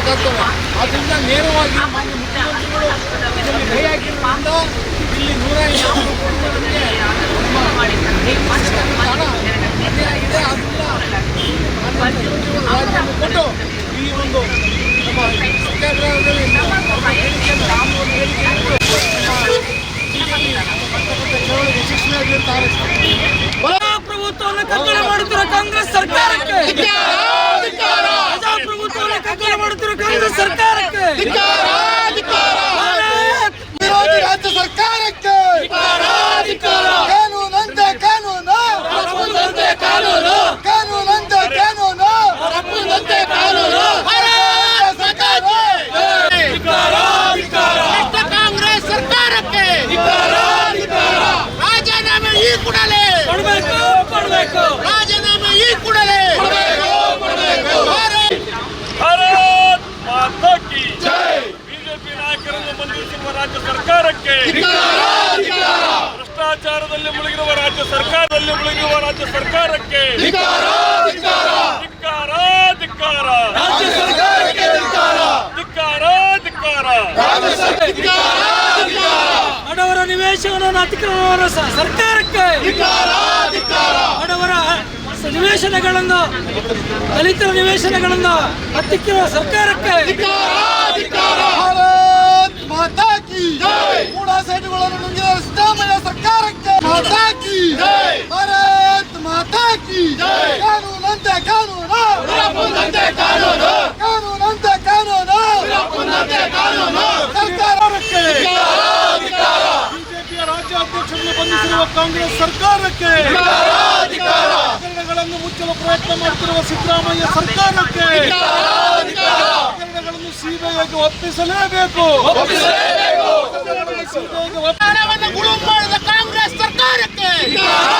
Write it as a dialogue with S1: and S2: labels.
S1: ಗೊತ್ತಾಗ್ತವೆ. ಆದ್ದರಿಂದ ನೇರವಾಗಿ ಮಾನ್ಯ ಮುಖ್ಯಮಂತ್ರಿಗಳು ಇದರಲ್ಲಿ ಕೈ ಹಾಕಿರೋದ್ರಿಂದ ಇಲ್ಲಿ 150 ಕೊಟ್ಟು ಈ ಒಂದು ನಮ್ಮ ಸತ್ಯಾಗ್ರಹದಲ್ಲಿ
S2: ಪ್ರಜಾಪ್ರಭುತ್ವವನ್ನು ಕಗ್ಗಣ ಮಾಡುತ್ತಿರುವ ಕಾಂಗ್ರೆಸ್ ಸರ್ಕಾರಕ್ಕೆ, ಪ್ರಜಾಪ್ರಭುತ್ವವನ್ನು ಕಗ್ಗಣ ಮಾಡುತ್ತಿರುವ ಕಾಂಗ್ರೆಸ್ ಸರ್ಕಾರಕ್ಕೆ,
S1: ವಿರೋಧಿ ರಾಜ್ಯ ಸರ್ಕಾರಕ್ಕೆ ಕಾನೂನಂತೆ ಕಾನೂನು, ಕಾನೂನಂತೆ ಕಾನೂನು,
S3: ಕಾಂಗ್ರೆಸ್ ಸರ್ಕಾರಕ್ಕೆ ರಾಜೀನಾಮೆ ಈ ಕೂಡಲೇ
S2: ಕೊಡಬೇಕು.
S3: ರಾಜೀನಾಮೆ ಈ ಕೂಡಲೇ
S4: ಭಾರತ್ ಮಾತಾ ಕಿ ಜೈ. ಬಿಜೆಪಿ ನಾಯಕರನ್ನು ಬಂಧಿಸಿರುವ ರಾಜ್ಯ ಸರ್ಕಾರಕ್ಕೆ, ಭ್ರಷ್ಟಾಚಾರದಲ್ಲಿ ಮುಳುಗಿರುವ ರಾಜ್ಯ ಸರ್ಕಾರಕ್ಕೆ ಧಿಕ್ಕಾರ, ಧಿಕ್ಕಾರ,
S2: ಬಡವರ ನಿವೇಶನವನ್ನು ಅತಿಕ್ರಮಣ ಸರ್ಕಾರಕ್ಕೆ, ಬಡವರ ನಿವೇಶನಗಳನ್ನು, ದಲಿತರ ನಿವೇಶನಗಳನ್ನು ಹತ್ತಿಕ್ಕಿರುವ ಸರ್ಕಾರಕ್ಕೆ,
S1: ಭಾರತ್ ಮಾತಾ ಕಿ ಕೂಡ ಸೈಟುಗಳನ್ನು ನುಂಗಿದ ಸಿದ್ದರಾಮಯ್ಯ ಸರ್ಕಾರಕ್ಕೆ ಮಾತಾ ಕಿ, ಭಾರತ್ ಮಾತಾ ಕಿ, ಕಾನೂನಂತೆ ಕಾನೂನು, ಕಾನೂನಂತೆ ಕಾನೂನು, ಸರ್ಕಾರಕ್ಕೆ, ಬಿಜೆಪಿಯ ರಾಜ್ಯಾಧ್ಯಕ್ಷರನ್ನು ಬಂಧಿಸಿರುವ ಕಾಂಗ್ರೆಸ್ ಸರ್ಕಾರಕ್ಕೆ, ಹಗರಣಗಳನ್ನು ಮುಚ್ಚಲು ಪ್ರಯತ್ನ ಮಾಡುತ್ತಿರುವ ಸಿದ್ದರಾಮಯ್ಯ ಸರ್ಕಾರಕ್ಕೆ ಹಗರಣಗಳನ್ನು ಸಿಬಿಐಗೆ ಒಪ್ಪಿಸಲೇಬೇಕು.
S3: ಹಣವನ್ನು ಗುಳುಂ ಮಾಡಿದ ಕಾಂಗ್ರೆಸ್ ಸರ್ಕಾರಕ್ಕೆ